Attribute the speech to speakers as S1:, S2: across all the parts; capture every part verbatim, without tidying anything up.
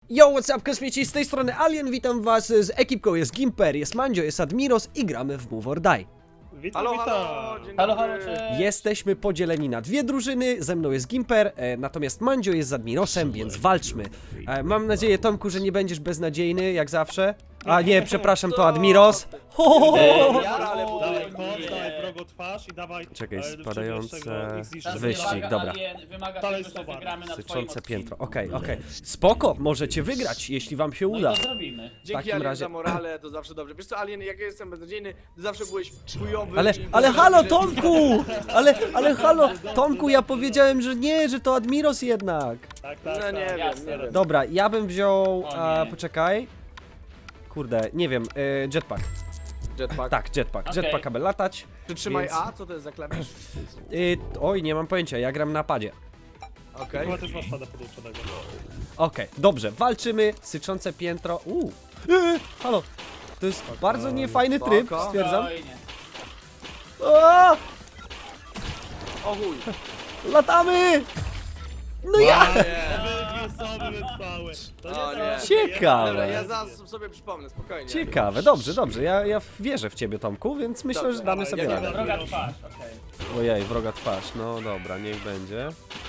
S1: Yo, what's up, kosmici, z tej strony Alien, witam was z ekipką, jest Gimper, jest Mandzio, jest Admiros i gramy w Move or Die.
S2: Witam,
S3: Halo,
S2: witam.
S3: halo, dzień
S2: halo,
S3: dobry.
S2: halo, cześć.
S1: Jesteśmy podzieleni na dwie drużyny, ze mną jest Gimper, e, natomiast Mandzio jest z Admirosem, więc walczmy. E, mam nadzieję, Tomku, że nie będziesz beznadziejny, jak zawsze. A nie, przepraszam, to Admiros. Ho, ho, ho, ho.
S2: Ja
S3: Ale
S2: o,
S3: buduję.
S2: dawaj koc, dawaj wrogo twarz i dawaj...
S1: Czekaj,
S2: e,
S1: spadające
S2: szybciej ich zniszczyć.
S1: wyścig,
S4: wymaga,
S1: dobra.
S4: Alien, wymaga
S2: Dalej
S4: tego, że
S2: suwar.
S4: wygramy na twoim
S1: Syczące
S4: odcinku.
S1: piętro, okej, okej. Spoko, możecie wygrać, jeśli wam się
S4: No
S1: uda.
S4: i to zrobimy.
S3: Dzięki
S1: takim
S3: Alien
S1: razie-
S3: za morale, to zawsze dobrze. Wiesz co, Alien, jak ja jestem beznadziejny, ty zawsze byłeś chujowy.
S1: Ale,
S3: i-
S1: ale halo,
S3: że-
S1: Tomku! Ale, ale halo, Tomku, ja powiedziałem, że nie, że to Admiros jednak.
S2: Tak, tak,
S3: No
S2: tak.
S3: nie wiem,
S4: jasne.
S3: nie wiem.
S1: Dobra, ja bym wziął,
S4: O
S1: a,
S4: nie.
S1: poczekaj. Kurde, nie wiem, y, jetpack.
S3: Jetpack.
S1: Tak, jetpack.
S4: Okej.
S1: Jetpack, aby latać.
S3: Przytrzymaj
S1: Więc-
S3: A, co to jest za klawisz?
S1: Y, oj, nie mam pojęcia, ja gram na padzie.
S3: Okej.
S2: Chyba też masz pada podłączonego.
S1: Okej, dobrze, walczymy, syczące piętro. Uuu, y, halo. To jest bardzo niefajny tryb,
S3: spoko.
S1: stwierdzam.
S4: Spokojnie.
S1: O,
S3: O chuj.
S1: latamy! No ja!
S3: Nie.
S2: Obydwie są wytrwałe. To
S3: O
S2: nie
S3: nie.
S2: to-
S1: Ciekawe.
S3: Dobra, ja zaraz sobie przypomnę, spokojnie.
S1: Ciekawe, dobrze, dobrze, ja, ja wierzę w ciebie, Tomku, więc myślę,
S3: Dobrze,
S1: że damy
S2: dawaj,
S1: sobie
S2: ja
S1: radę.
S2: nie
S4: Droga twarz, okej.
S1: Ojej, wroga twarz, no dobra, niech będzie.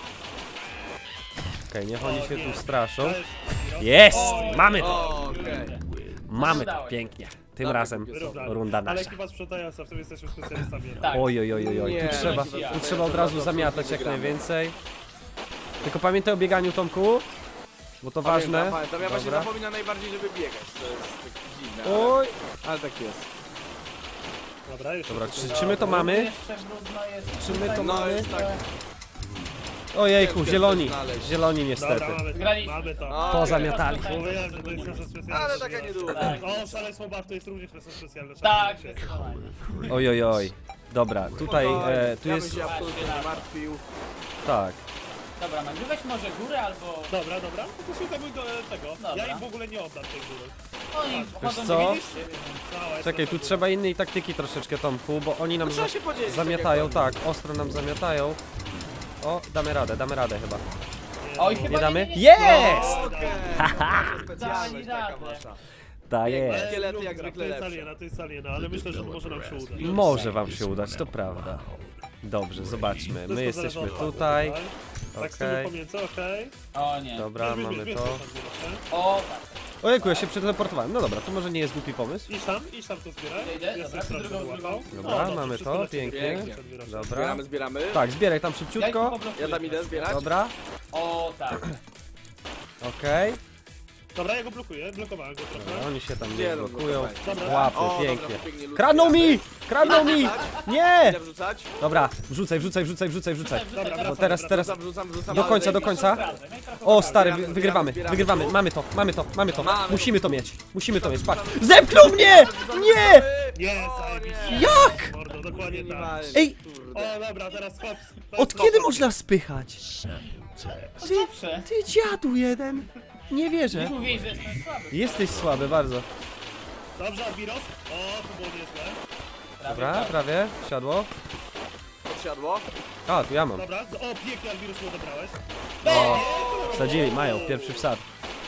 S1: Okej, niech oni się tu straszą.
S2: Cześć, Admiros.
S1: Jest!
S2: O,
S1: Mamy to!
S3: O, okej.
S1: Mamy to,
S4: Udało się.
S1: pięknie. Tym
S3: Dobra,
S1: razem
S2: wyrównane.
S1: runda
S2: Ale
S1: nasza.
S2: ekipa sprzątająca, w tym jesteśmy specjalistami.
S4: Tak.
S1: Oj, oj, oj, oj, oj.
S3: Nie,
S1: Tu trzeba,
S4: no ja.
S1: tu trzeba od razu zamiatać jak najwięcej. Tylko pamiętaj o bieganiu, Tomku, bo to ważne.
S3: Pamiętam, pamiętam. Ja właśnie
S1: Dobra.
S3: zapominam najbardziej, żeby biegać. To jest tak dziwne. Ale,
S1: Oj,
S3: ale tak jest.
S2: Dobra, jeszcze
S1: dobra,
S2: tutaj-
S1: czy, czy my to mamy?
S4: Jeszcze brudno jest.
S1: Czy my to
S3: No
S1: mamy?
S3: jest tak.
S1: Ojejku,
S3: Ciężko
S1: zieloni,
S3: coś znaleźć.
S1: zieloni niestety.
S2: Dobra, mamy to.
S4: Wygraliśmy.
S2: Mamy to.
S3: O,
S1: Pozamiatali.
S2: Mówiłem, że to jest nasza specjalna.
S3: Ale taka niedługa.
S4: Tak.
S2: O, szaleństwo bar to jest również nasza specjalna.
S4: Tak,
S2: szanowni
S4: zdecydowanie.
S1: Oj, oj, oj. Dobra, tutaj, e, tu
S3: ja
S1: jest,
S3: bym się absolutnie nie martwił.
S1: tak.
S4: Dobra, Mandziu, weź może górę albo...
S2: Dobra, dobra, to się zajmuj do tego.
S4: Dobra.
S2: Ja im w ogóle nie oddam tej góry.
S4: Oni chodzą,
S1: co?
S4: nie widzisz?
S2: Cała
S1: Czekaj, tu trzeba innej taktyki troszeczkę, Tomku, bo oni nam
S3: No trzeba
S1: za
S3: się podzielić.
S1: zamiatają,
S3: tak.
S1: tak, ostro nam zamiatają. O, damy radę, damy radę chyba.
S4: Oj, chyba
S1: Nie damy?
S4: nie, nie, nie.
S1: Jest!
S3: Jak Okej. Nasza specjalność
S4: Dali
S3: taka
S4: radę.
S3: wasza.
S1: Da jest.
S3: Szkielety jak zwykle
S2: To jest
S3: lepsze.
S2: aliena, to jest aliena, ale myślę, że może nam się uda.
S1: Może wam się udać, to prawda. Dobrze, zobaczmy. My
S2: Wszystko
S1: jesteśmy
S2: zależy od
S1: tutaj.
S2: was, Tak, z tyłu
S1: Okej.
S2: pomiędzy, okej.
S4: O nie.
S1: Dobra,
S2: Bierz, bierz,
S1: mamy
S2: bierz,
S1: to.
S2: bierz, bierz, bierz,
S4: O tak.
S1: Ojejku, ja się przeteleportowałem. No dobra, to może nie jest głupi pomysł.
S2: Idź tam, idź tam to zbieraj.
S4: Idę, idę,
S2: Jestem
S4: dobra,
S2: sprawdzę,
S4: drugą,
S2: co
S4: drugą.
S2: łapał.
S1: Dobra,
S2: No, dobrze,
S1: mamy
S2: wszystko
S1: to,
S2: leci.
S1: pięknie.
S3: Pięknie.
S1: Dobra.
S3: Zbieramy, zbieramy.
S1: Tak, zbieraj tam
S4: Ja ich
S1: szybciutko.
S4: poblokuję.
S3: Ja tam idę zbierać.
S1: Dobra,
S4: O tak.
S1: okej.
S2: Dobra, ja go blokuję, blokowałem go
S1: Dobra,
S2: trochę.
S1: oni się tam
S3: Gdzie
S1: nie
S3: no,
S1: blokują.
S2: Dobra.
S1: Łapy,
S3: O, dobra,
S1: pięknie.
S3: to pięknie, ludzkie
S1: Kradną
S3: razy.
S1: mi! Kradną mi! Nie!
S3: Idę wrzucać?
S1: Dobra, wrzucaj, wrzucaj, wrzucaj, wrzucaj, wrzucaj.
S2: Dobra,
S1: No
S2: wracam,
S1: teraz,
S2: wracam.
S1: teraz.
S3: Wrzucam, wrzucam, wrzucam.
S1: Do
S3: ale
S1: końca, do
S3: zajebiście.
S1: końca.
S4: Sprawdzę, no i trochę
S1: O stary,
S3: Zbieramy,
S1: wy- wygrywamy,
S3: zbieramy,
S1: wygrywamy,
S3: zbieramy.
S1: mamy to, mamy to, mamy to.
S3: Mamy.
S1: Musimy to mieć, musimy to mieć, patrz. Zepchnął mnie! Nie!
S2: Nie,
S3: O,
S2: zajebiście.
S3: nie.
S1: Jak?
S2: Mordo, dokładnie tak.
S3: Minimalnie,
S1: Ej!
S3: kurde.
S2: O, dobra, teraz hop.
S1: Od kiedy można spychać? Ty,
S4: Zawsze.
S1: ty dziadu jeden. Nie wierzę.
S4: Mówię, że jestem słaby.
S1: Jesteś słaby bardzo.
S2: Dobrze, Admiros. O, to było niezłe.
S1: Dobra, prawie, siadło.
S3: Podsiadło.
S1: A, tu ja mam.
S2: Dobra, o, pięknie, Admiros, mu odebrałeś.
S1: O, wsadzili, mają, pierwszy wsad.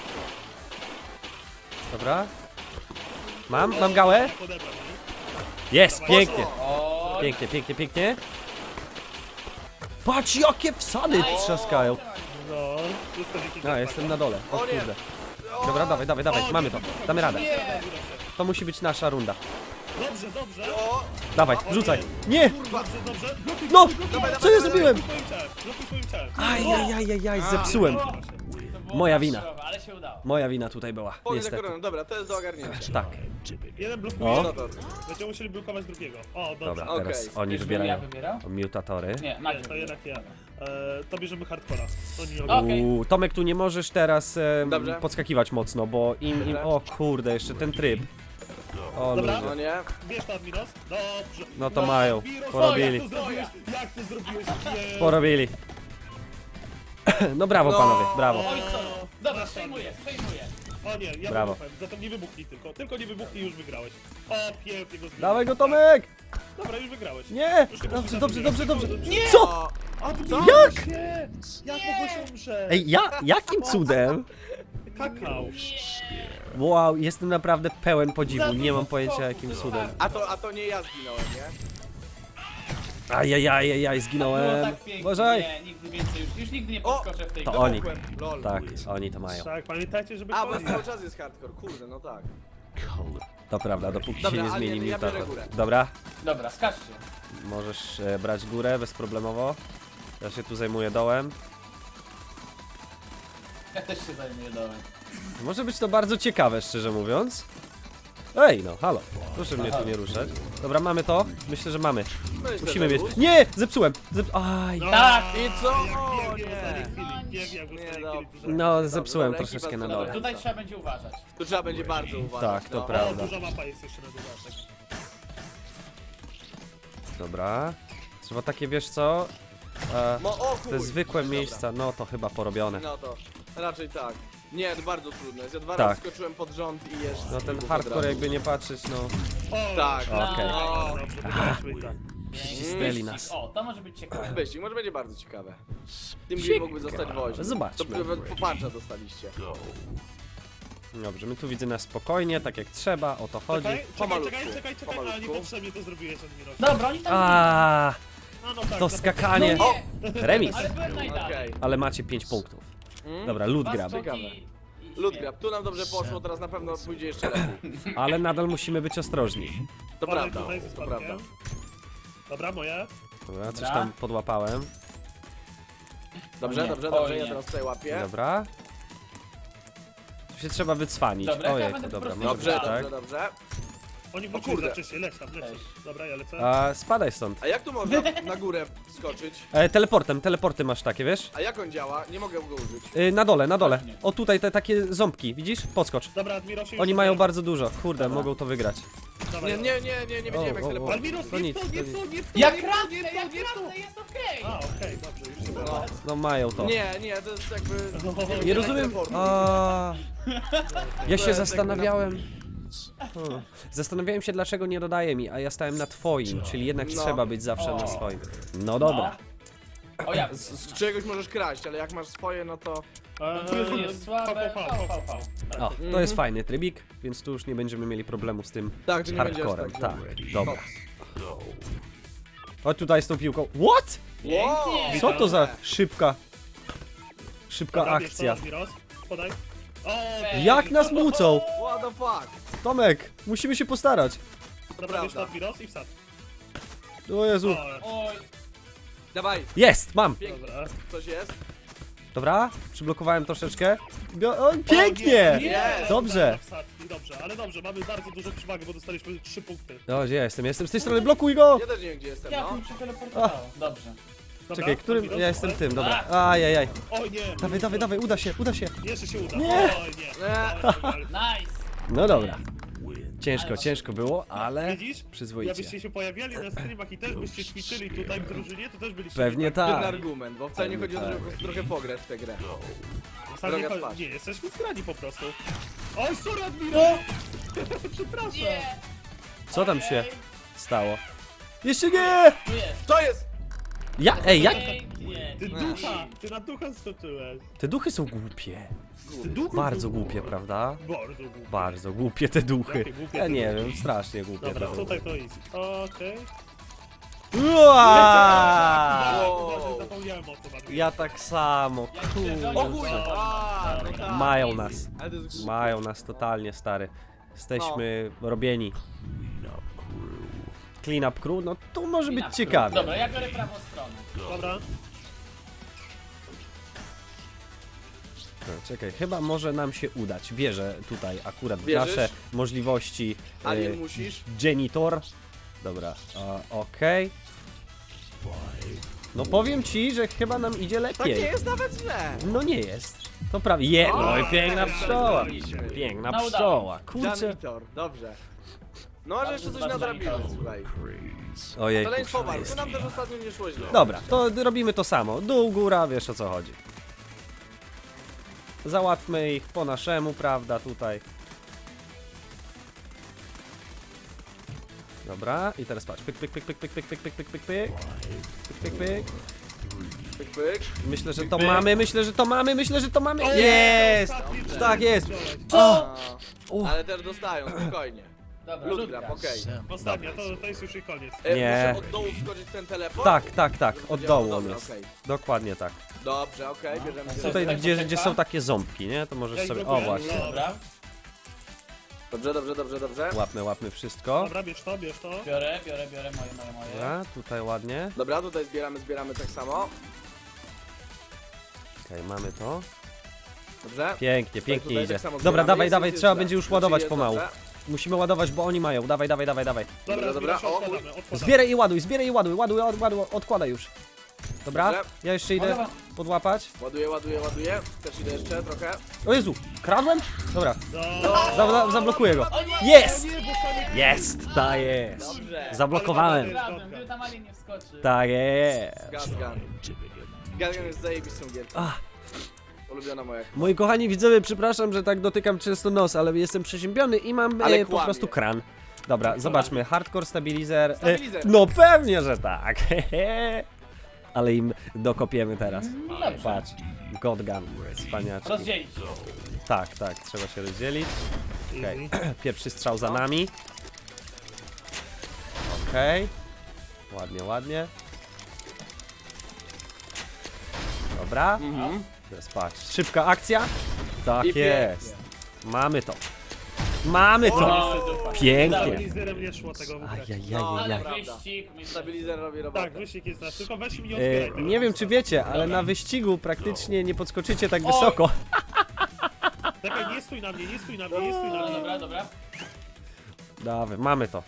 S1: Dobra. Mam, mam gałę.
S2: Tak, odebrał, nie?
S1: Jest, pięknie.
S4: O,
S1: Pięknie, pięknie, pięknie. Patrz, jakie wsady trzaskają.
S2: No, wszystko dzięki
S1: No, jestem na dole. O
S3: O nie.
S1: kurde. Dobra, dawaj, dawaj, dawaj, mamy to. Damy radę. To musi być nasza runda.
S2: Dobrze, dobrze.
S3: O,
S1: Dawaj, rzucaj. Nie!
S2: Dobrze, dobrze. Blokuj,
S1: No!
S3: dawaj,
S1: Co ja
S3: dawaj,
S1: zrobiłem?
S2: blokuj swoim ciałem, blokuj swoim ciałem.
S1: Ajajajajaj, zepsułem.
S4: to było
S1: Moja
S4: tak
S1: wina.
S4: surowe, ale się udało.
S1: Moja wina tutaj była,
S3: Pognie za
S1: niestety.
S3: koroną. Dobra, to jest do ogarnięcia.
S1: Tak.
S2: Jeden blokuje,
S1: O.
S3: No to.
S2: będziemy musieli blokować drugiego. O, dobrze.
S1: Dobra,
S3: Okej.
S1: teraz oni
S4: Czyżbym
S1: wybierają
S4: ja wybierał?
S1: mutatory.
S4: Nie,
S2: Nie,
S4: Mandziu.
S2: to jednak ja. E, to bierzemy hardcora. To nie
S4: O. Okej.
S1: Uuu, Tomek, tu nie możesz teraz em,
S3: Dobrze.
S1: podskakiwać mocno, bo im, im... O kurde, jeszcze ten tryb. O
S2: Dobra.
S1: ludzie.
S3: No nie.
S2: Bierz to, Admiros. Dobrze.
S1: No to mają.
S2: Admiros,
S1: Porobili.
S2: Jak to zrobiłeś? Jak to zrobiłeś? Nie.
S1: Porobili. No brawo
S3: No.
S1: panowie, brawo.
S4: Oj, co? Dobra, przejmuję, przejmuję.
S2: O nie, ja
S1: Brawo.
S2: wybuchłem. Zatem nie wybuchnij tylko. Tylko nie wybuchnij i już wygrałeś. O, pięknie go zbiłem.
S1: Dawaj go Tomek!
S2: Dobra, już wygrałeś.
S1: Nie!
S2: Już nie
S1: Dobrze,
S2: możesz
S1: dobrze,
S2: zabić.
S1: dobrze, dobrze.
S2: Nie!
S1: Co?
S3: O,
S2: A,
S3: Co?
S1: Jak?
S2: Nie! Jak mogłeś umrzeć?
S1: Ej, ja, jakim cudem?
S2: skakał.
S1: Wow, jestem naprawdę pełen podziwu,
S4: Za
S1: nie mam
S4: dużo
S1: pojęcia
S4: skoków,
S1: jakim
S4: to
S1: cudem.
S4: tak.
S3: A to, a to nie ja zginąłem, nie?
S1: Ajajajajaj,
S4: Było
S1: zginąłem.
S4: tak pięknie,
S1: Uważaj!
S4: nie, nigdy więcej już, już nigdy nie
S3: O!
S4: podskoczę w tej
S1: To
S4: grze.
S1: oni.
S3: Wybuchłem, Lol.
S1: Tak, oni to mają.
S2: Tak, pamiętajcie, żeby
S3: A, bo
S2: koniec.
S3: cały czas jest hardcore, kurde, no tak.
S1: To prawda, dopóki
S3: Dobra,
S1: się nie
S3: ale
S1: zmieni
S3: ja biorę
S1: mutator.
S3: górę.
S1: Dobra,
S4: Dobra, skaczcie.
S1: możesz e, brać górę bezproblemowo. Ja się tu zajmuję dołem.
S4: Ja też się zajmuję dołem.
S1: Może być to bardzo ciekawe, szczerze mówiąc. Ej, no, halo. Proszę mnie tu nie ruszać. Dobra, mamy to? Myślę, że mamy.
S3: Myślę,
S1: Musimy
S3: że
S1: mieć.
S3: już.
S1: Nie! Zepsułem! Zep... Aj!
S2: No,
S4: Tak.
S3: I co?
S2: Jak
S3: O,
S2: biegnie w
S3: nie.
S2: ostatniej chwili, biegnie jak w
S3: Nie,
S2: ostatniej
S3: dobrze.
S2: chwili.
S1: No,
S3: Dobra,
S1: zepsułem
S3: dobra,
S1: troszeczkę
S3: ekipa
S1: na
S3: dobra.
S1: dole.
S4: Tutaj trzeba będzie uważać.
S3: Tu trzeba będzie bardzo uważać.
S1: Tak, to
S3: no.
S1: prawda.
S2: O, duża mapa jest jeszcze na dodatek.
S1: Dobra. Trzeba takie, wiesz co? E,
S3: No, o
S1: te
S3: chuj.
S1: zwykłe
S3: Dobra.
S1: miejsca, no to chyba porobione.
S3: No to raczej tak. Nie, to bardzo trudne jest. Ja dwa
S1: Tak.
S3: razy skoczyłem pod rząd i jeszcze.
S1: No ten
S3: od
S1: hardcore
S3: razu.
S1: jakby nie patrzeć, no.
S2: O,
S3: Tak.
S1: Okej.
S3: O,
S2: Dobrze, wygraliśmy i tak.
S1: Cisnęli nas.
S4: O, to może być ciekawe.
S3: wyścig, może będzie bardzo ciekawe. Tym
S1: Ciekawe.
S3: mógłby zostać woźny.
S1: Zobaczmy.
S3: To nawet poparcza dostaliście.
S1: Dobrze, my tu widzę nas spokojnie, tak jak trzeba, o to chodzi.
S2: Czekaj, czekaj,
S3: Pomalutku,
S2: czekaj, czekaj, czekaj, ale
S3: pomalutku.
S2: niepotrzebnie to zrobiłeś, Admiros.
S4: Dobra, oni tam
S1: A,
S2: A, no tak,
S1: to
S2: na
S1: skakanie.
S4: No
S3: O!
S4: nie,
S1: Remis.
S4: ale byłem najdalej.
S3: Okej.
S1: Ale macie pięć punktów.
S3: Mm?
S1: Dobra, loot
S4: Dwa
S1: grab.
S4: skoki
S3: Ciekawe.
S4: i- i
S3: Loot
S4: śmierć.
S3: grab. Tu nam dobrze poszło, teraz na pewno pójdzie jeszcze lepiej.
S1: Ale nadal musimy być ostrożni.
S3: To
S2: Ale
S3: prawda,
S2: tutaj ze
S3: to
S2: spadkiem.
S3: prawda.
S2: Dobra, moje.
S1: Dobra, coś
S4: Dobra.
S1: tam podłapałem.
S3: Dobrze,
S4: nie,
S3: dobrze,
S4: oj
S3: dobrze,
S4: nie.
S3: ja teraz tutaj łapię.
S1: Dobra. Tu się trzeba wycwanić.
S4: Dobra, ja
S1: Ojej,
S4: będę po
S1: dobra,
S4: prostu
S1: może
S3: Dobrze,
S1: być tak.
S3: dobrze, dobrze.
S2: Oni
S3: O
S2: wrócili
S3: kurde.
S2: za wcześnie, leć tam, leć.
S4: Cześć.
S2: Dobra, ja lecę.
S1: A, spadaj stąd.
S3: A jak tu można na górę skoczyć?
S1: E, teleportem, teleporty masz takie, wiesz?
S3: A jak on działa? Nie mogę go użyć.
S1: E, na dole, na dole.
S4: Właśnie.
S1: O tutaj te takie ząbki, widzisz? Podskocz.
S2: Dobra, Admirosie, już
S1: Oni mają
S2: tutaj.
S1: bardzo dużo. Kurde, mogą to wygrać.
S2: Dawaj.
S3: Nie, nie, nie, nie, nie wiedziałem jak
S1: o, o.
S3: teleportować.
S2: Admiros,
S1: To
S2: nie
S1: nic,
S2: w to,
S1: to
S2: nie w
S1: nic.
S2: to, nie w to,
S4: Jak
S2: nie w to,
S4: kradnę,
S2: nie w to,
S4: jak
S2: nie w to.
S4: kradnę, jest okej.
S2: A, okej, dobrze, już się
S3: No.
S2: udało.
S1: No mają to.
S3: Nie, nie, to jest jakby...
S2: No,
S1: Nie rozumiem.
S3: teleportu.
S1: A, ja
S3: To
S1: się
S3: jest
S1: zastanawiałem. Hmm. Zastanawiałem się, dlaczego nie dodaje mi, a ja stałem na twoim, czyli jednak
S3: No.
S1: trzeba być zawsze na
S4: O.
S1: swoim. No dobra.
S4: O ja.
S3: Z, z czegoś możesz kraść, ale jak masz swoje, no to...
S4: Eee, jest słabe.
S2: V, V, V,
S4: V, V, V.
S1: O, to jest fajny trybik, więc tu już nie będziemy mieli problemu z tym
S3: Tak, że nie będziesz
S1: hardcorem.
S3: tak.
S1: Tak, dobra. Chodź tutaj z tą piłką. What?
S4: Pięknie.
S1: Co to za szybka, szybka
S2: Dobra, bierz to,
S1: akcja?
S2: Admiros, podaj. O,
S4: Ej.
S1: Jak nas mucą?
S3: What the fuck?
S1: Tomek, musimy się postarać.
S2: dobra, bierz to,
S3: prawda.
S2: Admiros i wsad.
S1: O Jezu.
S2: O,
S4: Oj,
S3: Dawaj,
S1: Jest, mam.
S3: pięknie.
S2: dobra.
S3: Coś jest?
S1: Dobra, przyblokowałem troszeczkę. Bio o, pięknie!
S3: Jest!
S1: Dobrze.
S2: Wsadki, dobrze, ale dobrze, mamy bardzo dużą przewagę, bo dostaliśmy trzy punkty.
S1: O, gdzie ja jestem? Jestem z tej strony, blokuj go!
S3: Ja też nie wiem gdzie jestem,
S4: jak
S3: no.
S4: mi się teleportowało. Dobrze.
S2: Dobra,
S1: Czekaj, którym?
S2: Admiros,
S1: Ja jestem
S2: podaj.
S1: tym, dobra. Ajajaj.
S2: Oj nie!
S1: Dawaj, dawaj, dawaj, uda się, uda się.
S2: Jeszcze się uda.
S1: Nie.
S2: Oj nie.
S3: Nie.
S2: Oj, oj, oj.
S4: Nice.
S1: No dobra. Ciężko, ciężko było, ale
S2: Widzisz?
S1: przyzwoicie.
S2: Jakbyście się pojawiali na streamach i też byście ćwiczyli tutaj w drużynie, to też byliście...
S1: Pewnie
S3: Ten
S1: tak.
S3: argument, bo wcale nie chodzi o to, żeby po prostu trochę pograć w tę grę.
S2: Wcale nie,
S3: droga
S2: chodzi-
S3: twarz.
S2: nie, jesteśmy zgrani po prostu. Oj, sorry Admiro! Przepraszam.
S4: Nie.
S1: Co tam się
S4: Ojej.
S1: stało? Jeszcze nie!
S4: Tu jest.
S3: Co jest?
S1: Ja, ej, jak?
S4: Pięknie.
S2: Ty ducha! Ty na ducha stoczyłeś.
S1: Te duchy są głupie.
S2: Ty ducha
S1: Bardzo
S2: są
S1: głupie, prawda?
S2: Bardzo głupie.
S1: Bardzo głupie te duchy.
S2: Jakie głupie
S1: Ja
S2: te
S1: nie
S2: duchy?
S1: wiem, strasznie głupie te
S2: Dobra,
S1: duchy.
S2: tutaj to jest. Okej.
S1: Uaa!
S3: Wow.
S2: Uważaj, zapomniałem o tym. Admiro.
S1: Ja tak samo,
S3: O chuj!
S1: kurczę.
S3: A, no tak.
S1: Mają nas.
S3: Ale to jest głupie.
S1: Mają nas totalnie, stary. Jesteśmy robieni. Clean up crew? No tu może być ciekawie.
S4: Dobra, ja biorę prawą stronę.
S2: Dobra.
S1: No, czekaj, chyba może nam się udać. Wierzę tutaj akurat w
S3: Wierzysz?
S1: nasze możliwości.
S3: Alien
S1: e,
S3: musisz.
S1: Genitor. Dobra, a, okej. No powiem ci, że chyba nam idzie
S3: Tak nie
S1: lepiej.
S3: jest nawet źle.
S1: No nie jest. To prawie. Je,
S3: O,
S1: no i piękna
S3: tak,
S1: pszczoła.
S3: tak,
S1: Piękna
S4: No udało
S1: pszczoła. Kurczę.
S3: Janitor, dobrze. No może jeszcze coś
S4: Bardzo
S3: nadrabimy,
S4: janitor.
S3: słuchaj.
S1: Ojej.
S3: Szaleństwo walk, to nam też ostatnio nie szło źle.
S1: Dobra, to robimy to samo. Dół, góra, wiesz o co chodzi. Załatwmy ich po naszemu, prawda, tutaj. Dobra, i teraz patrz. Pyk, pyk, pyk, pyk, pyk, pyk, pyk, pyk, pyk, pyk, pyk. Pyk, pyk, pyk.
S3: Pyk, pyk.
S1: Myślę, że to
S2: Pyk.
S1: mamy, myślę, że to mamy, myślę, że to mamy.
S2: O,
S1: Jest!
S2: ostatni
S1: Tak jest.
S4: Co?
S3: A,
S1: O.
S3: ale też dostają, spokojnie.
S4: Dobra,
S3: Lud
S4: ludka.
S3: gram, okej.
S2: Ostatnia, to, to jest już i koniec.
S3: E,
S1: Nie.
S3: Muszę od dołu wskoczyć w ten teleport?
S1: Tak, tak, tak, od dołu on
S3: Dobra,
S1: jest.
S3: okej.
S1: Dokładnie tak.
S3: Dobrze, okej, bierzemy
S4: Tutaj-
S1: Tutaj,
S3: sobie.
S1: gdzie,
S4: poczeka.
S1: gdzie są takie ząbki, nie? To możesz
S2: Ja
S1: sobie...
S2: ich
S1: O,
S2: blokuję.
S1: właśnie.
S4: Dobra,
S3: Dobrze, dobrze, dobrze, dobrze.
S1: Łapmy, łapmy wszystko.
S2: Dobra, bierz to, bierz to.
S4: biorę, biorę, biorę moje, moje, moje.
S1: Dobra, tutaj ładnie.
S3: Dobra, tutaj zbieramy, zbieramy tak samo.
S1: Okej, mamy to.
S3: Dobrze.
S1: Pięknie, pięknie
S3: Tutaj
S1: idzie.
S3: tak samo
S1: Dobra,
S3: zbieramy.
S1: dawaj,
S3: Jest,
S1: dawaj,
S3: jest,
S1: trzeba
S3: jest,
S1: będzie już
S3: jest,
S1: ładować
S3: jest,
S1: pomału.
S3: dobrze.
S1: Musimy ładować, bo oni mają. Dawaj, dawaj, dawaj, dawaj.
S2: Dobra,
S3: Dobra, dobra,
S2: zbierasz,
S3: o,
S2: odkładamy, odkładamy.
S1: Zbieraj i ładuj, zbieraj i ładuj, ładuj, ładuj, odkładaj już. Dobra,
S3: Dobrze.
S1: ja jeszcze idę
S4: Dobra.
S1: podłapać.
S3: Ładuję, ładuję, ładuję. Też idę jeszcze trochę.
S1: O Jezu, kradłem? Dobra,
S2: No.
S1: za, za, zablokuję go.
S4: O nie!
S1: Jest!
S2: Nie, bo sami...
S1: Jest, ta jest.
S3: Dobrze.
S1: Zablokowałem.
S4: Razem, gdyby tam alien nie wskoczy.
S1: Tak jest.
S3: Gazgan. Gazgan jest zajebistą gierką.
S1: Ach.
S3: Ulubiona moja.
S1: Moi kochani widzowie, przepraszam, że tak dotykam często nos, ale jestem przeziębiony i mam
S3: Ale
S1: e, po
S3: kłamie.
S1: prostu kran. Dobra, zobaczmy, hardcore stabilizer. E,
S3: Stabilizer.
S1: no pewnie, że tak. Ale im dokopiemy teraz.
S4: Dobrze.
S1: Patrz, Godgun, wspaniaczki.
S4: Rozdzielić.
S1: Tak, tak, trzeba się rozdzielić. Okej,
S2: Easy.
S1: pierwszy strzał za nami. Okej. Ładnie, ładnie. Dobra.
S3: Mhm.
S1: Teraz patrz, szybka akcja. Tak
S3: I
S1: jest.
S3: pięknie.
S1: Mamy to. Mamy to.
S4: No,
S1: Pięknie.
S2: Stabilizerem nie szło tego wygrać.
S3: No,
S4: ale
S1: Ajajajaj.
S4: wyścig. myślę, że-
S3: Stabilizer robi robotę.
S2: Tak, wyścig jest nasz, tylko weź mi nie
S1: E,
S2: otwieraj tego.
S1: nie wiem czy wiecie, ale na wyścigu praktycznie nie podskoczycie tak
S4: Oj.
S1: wysoko.
S2: Czekaj, nie stój na mnie, nie stój na mnie, nie stój na
S4: Dobra,
S2: mnie.
S4: dobra, dobra.
S1: Dawaj, mamy to.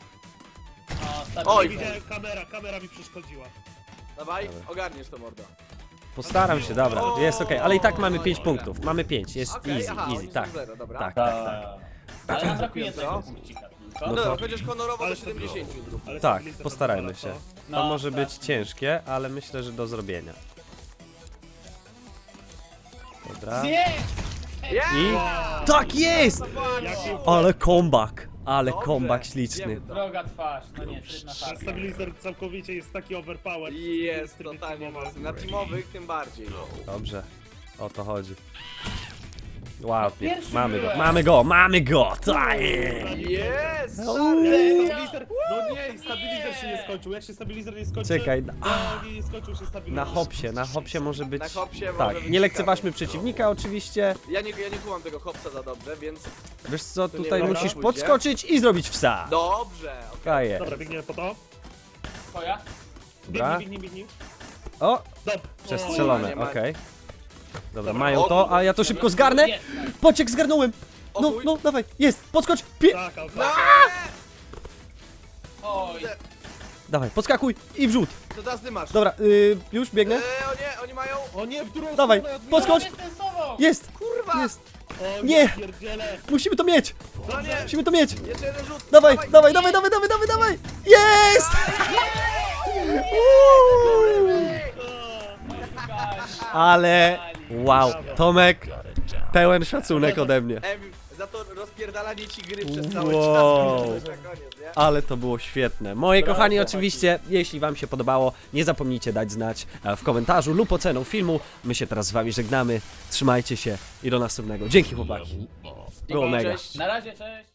S4: O,
S3: Oj.
S4: stabilizer.
S2: Widziałem, kamera, kamera mi przeszkodziła.
S3: Dawaj, ogarniesz to, mordo.
S1: Postaram się, dobra, jest okej, ale i tak mamy pięć punktów. Mamy pięć, jest
S3: Okej,
S1: easy,
S3: aha,
S1: easy,
S3: oni są
S1: tak.
S3: zero, dobra.
S1: Tak, tak, tak.
S4: Tak. Ale nam brakuje
S3: Co?
S4: tego punkcika tylko.
S1: No
S3: No
S1: to-
S3: dobra, chociaż honorowo
S2: Ale
S3: do siedemdziesięciu zrób.
S2: Ale
S1: Tak,
S2: stabilizer
S1: postarajmy
S2: pozwala,
S1: się.
S2: co?
S1: To
S4: No,
S1: może
S4: tak.
S1: być ciężkie, ale myślę, że do zrobienia. Dobra.
S4: Nie!
S3: Yeah!
S1: I... Tak jest!
S2: Jaki
S1: Ale comeback, ale
S3: Dobrze,
S1: comeback
S3: wiemy
S1: śliczny.
S3: to.
S4: Droga twarz, no nie, trudna
S2: Ten
S4: farka.
S2: stabilizer całkowicie jest taki overpowered.
S3: Jest
S2: Tryb
S3: totalnie
S2: teamowy.
S3: mocny. Na teamowych tym bardziej.
S1: Dobrze, o to chodzi. Ładnie,
S4: Pierwszy
S1: mamy go,
S4: byłem.
S1: mamy go, mamy go! Tak jest!
S3: Jest!
S1: No.
S3: stary!
S2: Stabilizer, no nie, stabilizer się nie skończył. Jak się stabilizer nie skończy...
S1: Czekaj,
S2: No, nie, nie skończył się stabilizer.
S1: Na hopsie, na hopsie może być...
S3: Na hopsie może
S1: Tak,
S3: być
S1: nie lekceważmy
S3: ciekawie.
S1: przeciwnika oczywiście.
S3: Ja nie, ja nie kumam tego hopsa za dobrze, więc
S1: Wiesz co,
S3: To nie
S1: tutaj
S3: dobra,
S1: musisz
S3: pójdzie.
S1: podskoczyć i zrobić wsa.
S3: dobrze. okej.
S1: Tak jest.
S2: Dobra, biegniemy po to.
S4: Twoja?
S1: Dobra.
S2: Biegnij, biegnij, biegnij.
S1: O,
S2: Dob.
S1: przestrzelone,
S3: nie ma.
S1: okej. Dobra,
S2: Dobra.
S1: mają
S3: O,
S1: to, a ja to szybko zgarnę.
S4: Jest, tak.
S1: Pociek zgarnąłem.
S3: O
S1: No,
S3: chuj.
S1: no, dawaj, jest, podskocz. Pie...
S2: Tak, ale
S3: No!
S4: Oj,
S1: Dawaj, podskakuj i wrzut.
S3: To teraz ty masz.
S1: Dobra, y, już biegnę.
S3: Eee, o nie, oni mają...
S2: O nie, w drugą
S1: Dawaj,
S2: stronę odbiera.
S1: podskocz.
S4: jest ten sobą!
S1: Jest,
S3: Kurwa!
S1: jest.
S2: O
S1: Nie.
S2: pierdziele.
S1: Musimy to mieć.
S3: No nie!
S1: Musimy to mieć.
S3: Jeszcze jeden rzut!
S1: Dawaj, dawaj, dawaj, dawaj, dawaj, dawaj, dawaj. Jest! Uuu. Ale, wow, Tomek, pełen szacunek ode mnie.
S3: Em, za to rozpierdalanie ci gry przez cały
S1: Wow.
S3: czas. Na koniec, nie?
S1: Ale to było świetne. Moi kochani, oczywiście, jeśli wam się podobało, nie zapomnijcie dać znać e, w komentarzu lub oceną filmu. My się teraz z wami żegnamy. Trzymajcie się i do następnego. Dzięki chłopaki. Było
S3: Dzięki,
S1: mega.
S3: cześć.
S4: Na razie, cześć!